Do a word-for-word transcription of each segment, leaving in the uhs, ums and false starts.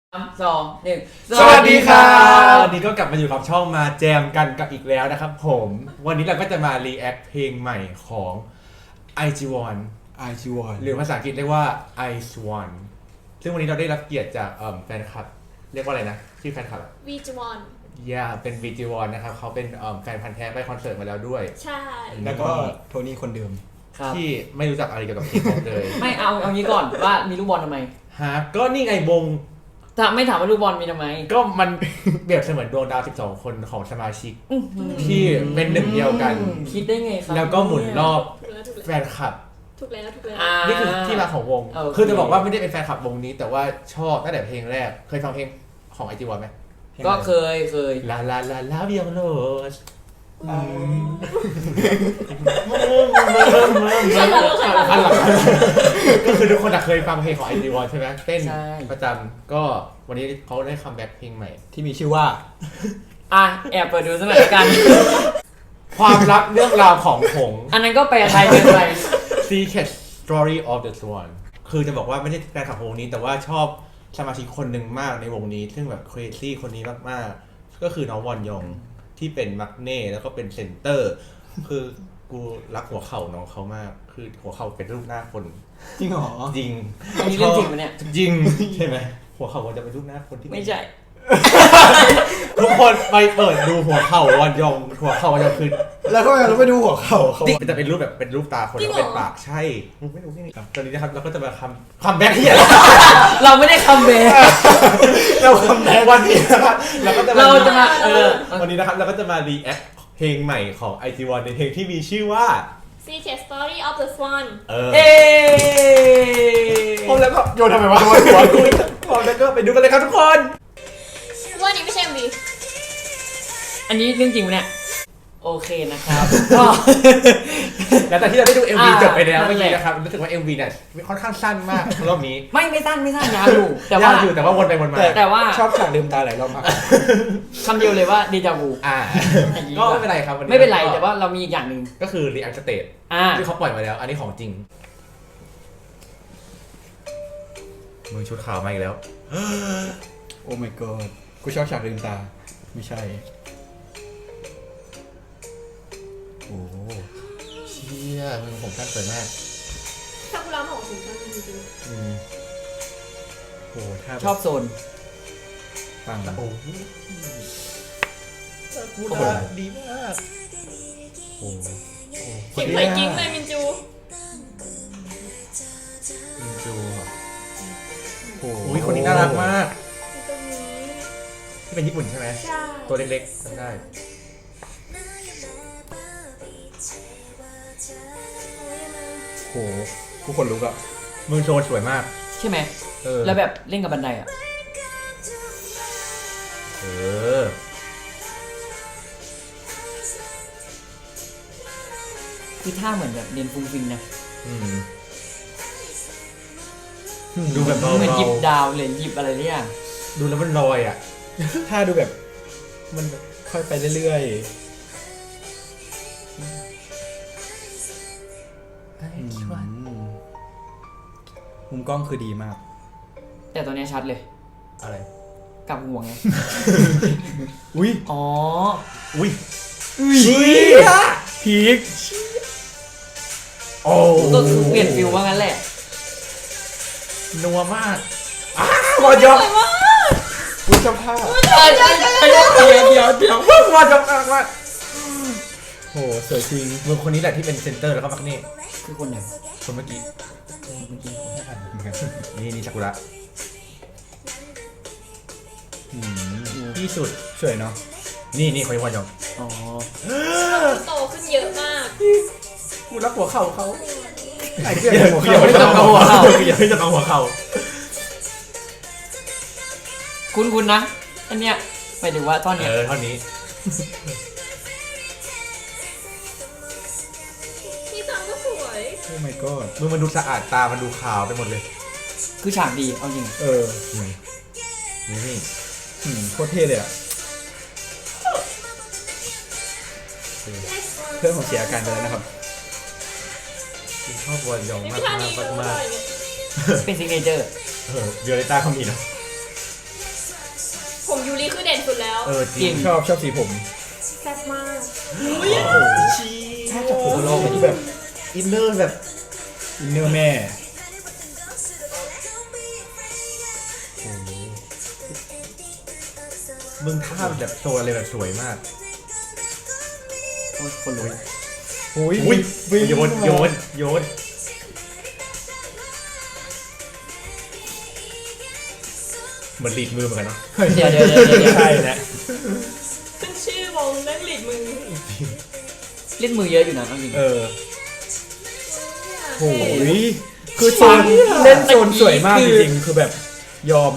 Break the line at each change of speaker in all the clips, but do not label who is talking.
สามสองหนึ่ง
สวัสดีครับวันนี้ก็กลับมาอยู่กับช่องมาแจมกันกับอีกแล้วนะครับผมวันนี้เราก็จะมารีแอคเพลงใหม่ของ ไอ จี วอน
ไอ จี วอน
หรือภาษาอังกฤษเรียกว่า ไอ สวอน ซึ่งวันนี้เราได้รับเกียรติจากแฟนคลับเรียกว่าอะไรนะชื่อแฟนคลับ
วีจวอน
ย่าเป็น วี จี วอน นะครับเขาเป็นแฟนพันธุ์แท้ไปคอนเสิร์ตมาแล้วด้วย
ใช่
แล้วก็โทนี่คนเดิม
ครับ
ที่ไม่รู้จักอะไรเกี่ยวกับเคป๊อปเลย
ไม่เอาเอางี้ก่อนว่ามีลูกบอลทำไม
ฮะก็นี่ไงวง
ถ้าไม่ถามว่าลูกบอลมีทำไม
ก็มันเปรียบเสมือนดวงดาวสิบสองคนของสมาชิกที่เป็นหนึ่งเดียวกัน
คิดได้ไงครับ
แล้วก็หมุนรอบ
ถูกแล้วถูก
แฟ
แล้ว
นคลับ
ถูกแล้วถูกแล้ว
อ่า
นี่คือที่มาของวง
โอเค
คือจะบอกว่าไม่ได้เป็นแฟนคลับวงนี้ แต่ว่าชอบตั้งแต่เพลงแรก เคยฟังเพลงของ ไอ จี วอน ไหม
ก็เคยเคย
ลาลาลาลาเบียงโรส
ใช่แล้วใช่แล้ว
อันหลังก็คือทุกคนเคยฟังเพลงของ ไอ จี วอน ใช่ไหมเต้นประจำก็วันนี้เขาได้คัมแบ็คเพลงใหม่
ที่มีชื่อว่า
อ่ะแอบเปิดดูสักหน่อยละกัน
ความลับเรื่องราวของผง
อันนั้นก็แปลไทยเป็นไป
Secret Story of the Swan คือจะบอกว่าไม่ได้แฟนคลับวงนี้แต่ว่าชอบสมาชิกคนหนึ่งมากในวงนี้ ซึ่งแบบ crazy คนนี้มากๆก็คือน้องวอนยองที่เป็นมักเน่แล้วก็เป็นเซนเตอร์ คือกูรักหัวเข่าน้องเขามาก คือหัวเข่าเป็นรูปหน้าคน
จริงเหรอ
จริง
อันนี้เรื่องจริงปะเนี่ย
จริงใช่ไหมหัวเข่ามันจะเป็นรูปหน้าคนที่
ไม่ใช่
ทุกคนไปเปิดดูหัวเข่าวอนยองหัวเข่าวอนยองคือ
แล้วก็เราไปดูหัวเข่าเขา
มันจะเป็นรูปแบบเป็นรูปตาคนแล้วเป็นปากใช่มึงไม่รู้นี่ครับตอนนี้นะครับเราก็จะมาคำคำแบ็คที่อะไร
เราไม่ได้คัมแบ็ก
เราคำแบ็ควันนี้นะครับเราก็จะ
เราจะมาเออ
วันนี้นะครับเราก็จะมารีแอคเพลงใหม่ของ ไอ จี วอน ในเพลงที่มีชื่อว่า
Secret Story of the Swan
เออ
เอ๊
พร้อมแล้วก็โยนทำไมวะโยนหัวกูพร้อมแล้วก็ไปดูกันเลยครับทุกคน
ว่านี่ไม่ใช่ วี
อันนี้เรื่องจริงปะเนี่ยโอเคนะครับ ก็
หลังจากที่เราได้ดู เอ็ม วี
อ่า
จบไปแล้ว
นั่
เมื่อน
แห
กี้
ละ
นะครับรู้สึกว่า เอ็ม วี เนี่ยค่อนข้างสั้นมากรอบนี้
ไม่ไม่สั้นไม่สั้นยาวอยู่แต่ว่าย
ากอยู่แต่ว่าวนไปวนมา
แต่ว่า
ชอบฉากลืมตาหลายรอบมาก
คำเดียวเลยว่าเดจาวู
อ่าก็ไม่เป็นไรครับวันนี้
ไม่เป็นไรแต่ว่าเรามีอีกอย่างหนึ่ง
ก็คือ React Stage
อ่า
ที่เขาปล่อยมาแล้ว อันนี้ของจริงมึงชุดขาวมาอีกแล้ว
โอ้ my god กูชอบฉากลืมตา ไม่ใช่ โอ้
เชี่ยมึงผมสั้นสวยมาก
ถ้ากูร้องของถึงกันจริง
อืมโอ้ถ้า
ชอบโซน
ฟัง
โอ้พูดดีมากโอ้
ๆเข็มไฟกิ้งเลยมินจู
มินจูอ่ะ
โอ้
โอ้ยคนนี้น่ารักมาก
ตรงนี้
ที่เป็นญี่ปุ่นใช่ไหม
ใช่
ตัวเล็กๆจำได้
โหกูขนลุกอะ
มึงโชว์สวยมาก
ใช่ไหม
เออ
แล้วแบบเล่นกับบันไดอ่ะ
เออ
คือท่าเหมือนแบบเรียนฟุ้งฟิงนะ
อืมดูแบบเบา
เหมือนหยิบ
ๆ
ดาวเลยหยิบอะไรเนี่ย
ดูแล้วมันลอยอ่ะ
ถ้าดูแบบ มันแบบค่อยไปเรื่อยๆอืมมุมกล้องคือดีมาก
แต่ตัวเนี้ยชัดเลย
อะไร
กลับหัวไง
อุ้ย
อ๋อ
อุ้ย
เชี่ยพีค
โอ้
ก็คือเปลี่ยนฟิลว่างั้นแหละ
นัวมากอ้าวอดยอม
อุ้ยเจ้าภาพ
เดี๋ยวเดี๋ยวเดี๋ยว
วอดยอมมากมาก
โหสวยจริง
มือคนนี้แหละที่เป็นเซนเตอร์แล้วก็มักเน่
คือคนไหน
คนเมื่อกี้
เมื่อกี้คนที่ผ่าน
นี่นี่ซากุระ
อืม
ที่สุด
สวยเนาะ
นี่นี่คนนี้วอดยอม
อ๋อ
โตขึ้นเยอะมาก
กูรักหัวเข่าเขา
ไอ้เหี้ยหัว
อย่า
เข่า
ไม่ต้องเอาหัวเข่าอย่าไม่ต้องเอาหัวเข่า
คุณคุณนะ อันเนี้ยหมายถึงว่าท่อนเนี้ย
เออเท่านี้
พี่ซังก็สวย
โอ้ my god
มือมันดูสะอาดตามันดูขาวไปหมดเลย
คือฉากดีเอาจริง
เออ
นี่นี่
อืมโคตรเท่เลยอะเพื่อนผมเสียอาการไปแล้วนะครับ
ชอบวอดยอง
นี่
มา
ไม่
ก
ท่านี้
มาก
เลย
มาก
เนี่ย
เป็นซิกเนเจอร์
เออเวโอเลต้าเขามีเนาะเออจริง
ชอบชอบสีผม
แซ่บมาก
ชี้
ถ้าจับผมลองไปที่แบบ
อินเนอร์แบบ
อินเนอร์แม่
มึงท่าแบบโชว์อะไรแบบสวยมาก
โอ้ยคนลุก
อุ้ย
อุ้ย
วิ่ง
โยนโยนโยนเหมือนลีดมือเหมือนกันเนาะ
เดี๋ยวเดี๋ยวเดี๋ยวเดี๋ยว
ใช่แหละ
ขึ้นชื่อวงเล่นหลีดมือ
เล่นมือเยอะอยู่นะเอาจริง
เออ
โอ้
โอ้ยคือโซนเล่นโซนสวยมากจริงๆคือแบบยอม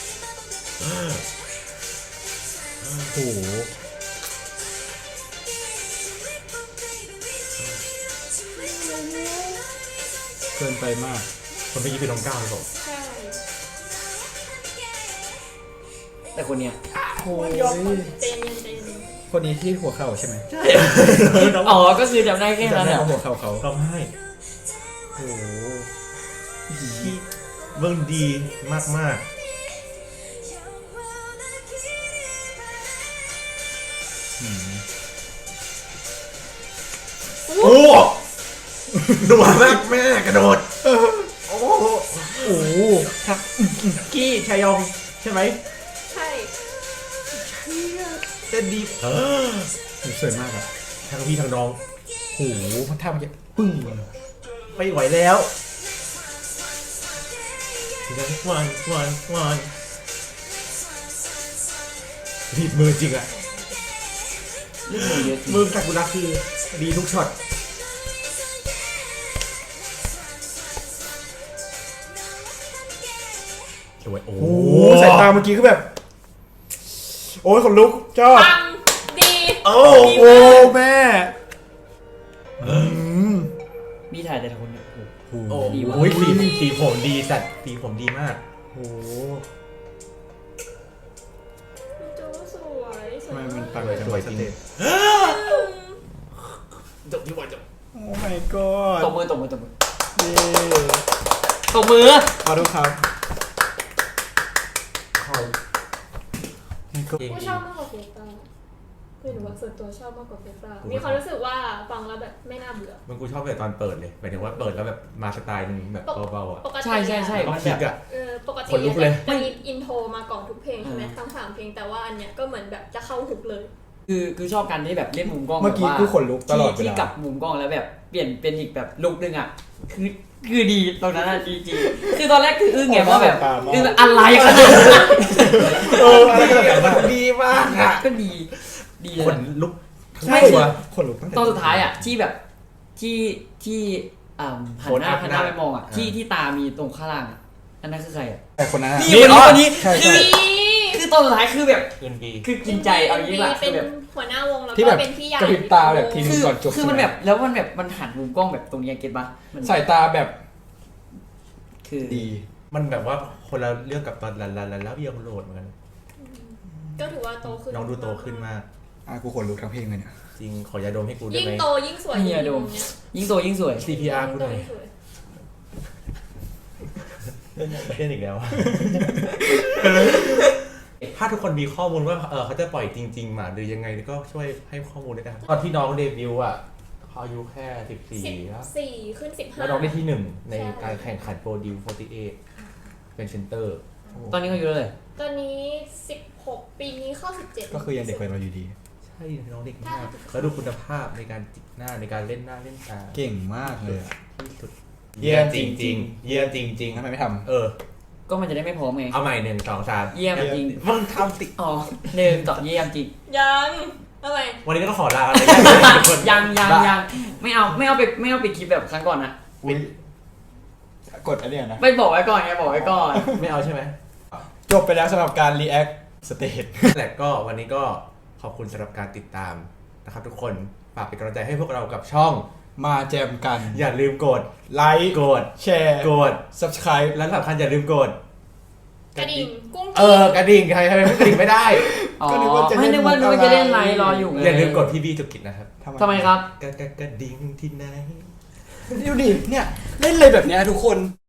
โอ้โหเกินไปมาก
คนเมื่อกี้เป็นน้องก้าวหรือเปล่า
ใช่
แต่คนเนี้ย
โอ้ย
เต็มเย็นเต็ม
คนนี้ที่หัวเข่าใช่ไหม
อ๋อก็คือจำได้แค่
จำ
นั้น
ได้
แหละ
ว่าหัวเข่าเขา
ร้องไห้
โอ้โห
เบิ่งดีมากมาก
อืม
ๆโอ้หนัวมากแม่กระโดดโอ้โห
โอ้โห
กี้ชายองใช่ไหม
ใช่
เต้นดีเออ
สวยมากอะ
ทั้งพี่ทั้งน้อง
โอ้โหมันท่าเมื่อกี้ปึ้ง
ไม่ไหวแล้ววันวันวันรีบมือจริงอะ
เล่นมือเยอะจริง
มือซากุระคือดีทุกช็อตสวยโอ้
โอ้โหสายตาเมื่อกี้คือแบบ โอ้ยขนลุกชอบ
ปังดี
โอ้
โอ้แม่อืม
มีถ่ายแต่ละคนเนี่ยโอ้โห
โอ้
โอ้
ดีว่ะ
โหสีสีผมดีสัตว์สีผมดีมาก
โอ้
มินจูสวยส
ทำ
วย
ไมมัน
มา
ปั
ก
งเลยจังเลยสเตจ
จบที่วันจบ
โอ้ my god
ตบมือตบมือตบมือ
เย้
ตบมือ
ขอดูครับ
เขา
ผู้ชอบมากกว่าเฟสตาคือหนูว่าส่วนตัวชอบมากกว่าเฟสตามีความรู้สึกว่าฟังแล้วแบบไม่น่าเบื่อ
มันกูชอบแบบตอนเปิดเลยหมายถึงว่าเปิดแล้วแบบมาสไตล์นึงแบบเบาๆอ่ะ
ปกติ
ใช่ใช่ใช่
แล้วก็
มัน
คลิ
แบ
ก
บ
อ่ะ
เออปกติ
ขนลุกเลย
จะมีอินโทรมาก่อนทุกเพลงใช่ไหมทั้งสามเพลงแต่ว่าอันเนี้ยก็เหมือนแบบจะเข้าหุกเลย
คือคือชอบการที่แบบเล่นมุมกล้อง
เมื่อกี้
แบบว่า
กูขนลุกตลอดเว
ที่
ลา
ที่กลับมุมกล้องแล้วแบบเปลี่ยนเป็นอีกแบบลุกนึงอ่ะคือคือดีตรงนั้นอ่ะดีจริงคือตอนแรกคืออึ้งไงว่าแบบอึ้งแบบอะไรขนาดนั้น
เอออะไรก็แบบนั้น
ดีมากอ่ะ
ก็ดีดีเลย
ขน
นะ
ลุก
ใช่วะขนลุกตั้งแต่
ตอนสุดท้ายอ่ะที่แบบที่ที่อ่าหันหน้าหันหน้าไปมองอ่ะที่ที่ตามีตรงข้างล่างอ่ะอันนั้นคือใครอ่ะ
แต่คนนั้นอะ
นี่คนนี้คนนี้
ใช่
คื
ใช่
อคือตอนสุดท้ายคือแบบ
คืนดี
คือกินใจเอาอย่างนี้ป่ะ
เป็
คื
น
อแบบ
หัวหน้าวงแล้ว
ที่
ก็
แบบ
เป็นพี่ใหญ่
กระพริบตาแบบที
คือ
ก่อนจบ
คือมัน
ใช่ไหม
แบบแล้วมันแบบมันหันมุมกล้องแบบตรงนี้เก็ตปะมัน
สายตาแบบ
คือ
ดี
มันแบบว่าคนละเรื่องกับตอนลันลันลันแล้วยังโหลดเหมือนกัน
ก็ถือว่าโตขึ้น
น้องดูโตขึ้นมาก
อ่ะกูขนลุกทั้งเพลงเลยเนี่ย
จริงขอยาดมให้กูได้
ยิ่ง
ไหม
โตยิ่งสวย
เฮียโดม
เนี้ย
ยิ่งโตยิ่งสวย
ซี พี อาร์ กู
ยิ่ง
ห
โต
น่อย
ยิ่งสวย
เล่นอีกแล้ว ถ้าทุกคนมีข้อมูลว่าเออเขาจะปล่อยจริงๆมาหรือยังไงก็ช่วยให้ข้อมูลด้วยนะครับตอนที่น้องเดบิวต์อ่ะเขาอายุแค่สิบสี่
สิบ
แล้ว
สี่ขึ้นสิบห้า
แล้วน้องได้ที่หนึ่งใน
ใช่
การแข่งขันโปรดิวฟอร์ตี้เอเป็นเซนเตอร์
ตอนนี้เขาอยู่เท่าไหร่
ตอนนี้สิบหกปีนี้เข้าสิบเจ็ด
ก็คือยังเด็กกว่าเราอยู่ดี
ใช่น้องเด็กมากแล้วดูคุณภาพในการจิกหน้าในการเล่นหน้าเล่นตา
เก่งมากเลยอะ
ที่สุด
เยี่ยม
จ
จริ
ริ
ง
ง
ๆ
ๆเยี่ยมจริง
ทำไมไม่ท
ๆเออ
ก็มันจะได้ไม่พร้อมไง
เอาใหม่หนึ่งสองสาม
เยี่ยมจริง
มึงทำติ
อ๋อหนึ่งต่อเยี่ยมจริง
ยังอะไร
วันนี้ก็ขอลาอะไรกันทุกคน
ยังยังยังไม่เอาไม่เอาไปไม่เอาไปคลิปแบบครั้งก่อนนะ
ำอุ๊ยกดอันเนี้ยนะ
ไม่บอกไว้ก่อนไงบอกไว้ก่อน
ไม่เอาใช่ไหม
จบไปแล้วสำหรับการ react stage
แต่ก็วันนี้ก็ขอบคุณสำหรับการติดตามนะครับทุกคนฝากเป็นกำลังใจให้พวกเรากับช่อง
มาแจมกัน
อย่าลืมกด
ไลค์
กด
แชร์
กด
subscribe
และสำคัญอย่าลืมกด
กระดิ่งกุ้ง
เออกระดิ่งใครใครไม่กระดิ่งไม่ได้
อ๋อ
ก็นึกว่าจะเล่
ไม่
น
นึกว่า
มุ
นึ
ก
ก
อะไร
ว่าจะเล่นไลน์รออยู่ไง
อย่าลืมกดพี่บีจุกิจนะครับ
ทำไมครับ
กระกระกระดิ่งที่ไหน
ดูดิเนี่ย เล่นเลยแบบเนี้ยทุกคน